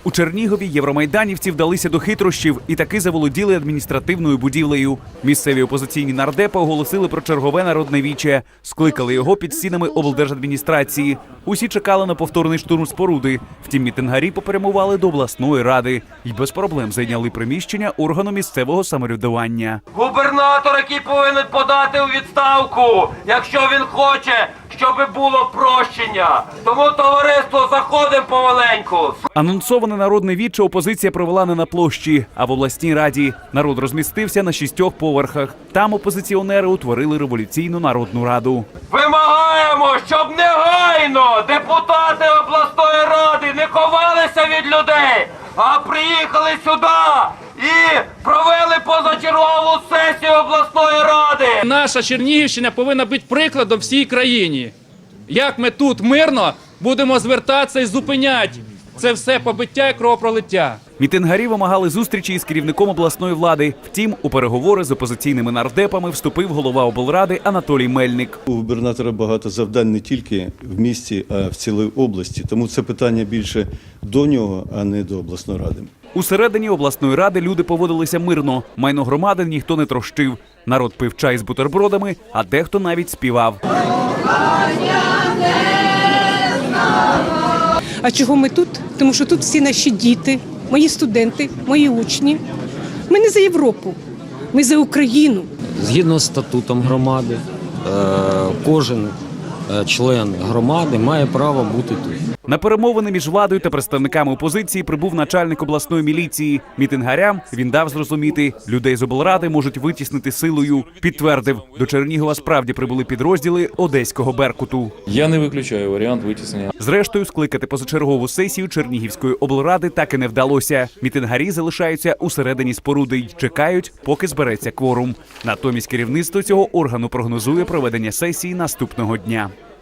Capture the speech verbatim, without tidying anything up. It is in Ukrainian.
У Чернігові євромайданівці вдалися до хитрощів і таки заволоділи адміністративною будівлею. Місцеві опозиційні нардепи оголосили про чергове народне віче. Скликали його під стінами облдержадміністрації. Усі чекали на повторний штурм споруди. Втім, мітингарі попрямували до обласної ради і без проблем зайняли приміщення органу місцевого самоврядування. Губернатор, який повинен подати у відставку, якщо він хоче, щоб було прощення. Тому, товариство, заходимо помаленьку. Анонсоване народне віче опозиція провела не на площі, а в обласній раді. Народ розмістився на шістьох поверхах. Там опозиціонери утворили революційну народну раду. Вимагаємо, щоб негайно депутати обласної ради не ховалися від людей, а приїхали сюди і провели позачергову сесію обласної ради. Наша Чернігівщина повинна бути прикладом всій країні. Як ми тут мирно будемо звертатися і зупиняти це все побиття і кровопролиття. Мітингарі вимагали зустрічі із керівником обласної влади. Втім, у переговори з опозиційними нардепами вступив голова облради Анатолій Мельник. У губернатора багато завдань не тільки в місті, а в цілій області. Тому це питання більше до нього, а не до обласної ради. Усередині обласної ради люди поводилися мирно. Майно громади ніхто не трощив. Народ пив чай з бутербродами, а дехто навіть співав. А чого ми тут? Тому що тут всі наші діти, мої студенти, мої учні. Ми не за Європу, ми за Україну. Згідно з статутом громади, кожен член громади має право бути тут. На перемовини між владою та представниками опозиції прибув начальник обласної міліції. Мітингарям він дав зрозуміти, людей з облради можуть витіснити силою. Підтвердив, до Чернігова справді прибули підрозділи одеського «Беркуту». Я не виключаю варіант витіснення. Зрештою, скликати позачергову сесію Чернігівської облради так і не вдалося. Мітингарі залишаються усередині споруди й чекають, поки збереться кворум. Натомість керівництво цього органу прогнозує проведення сесії наступного дня.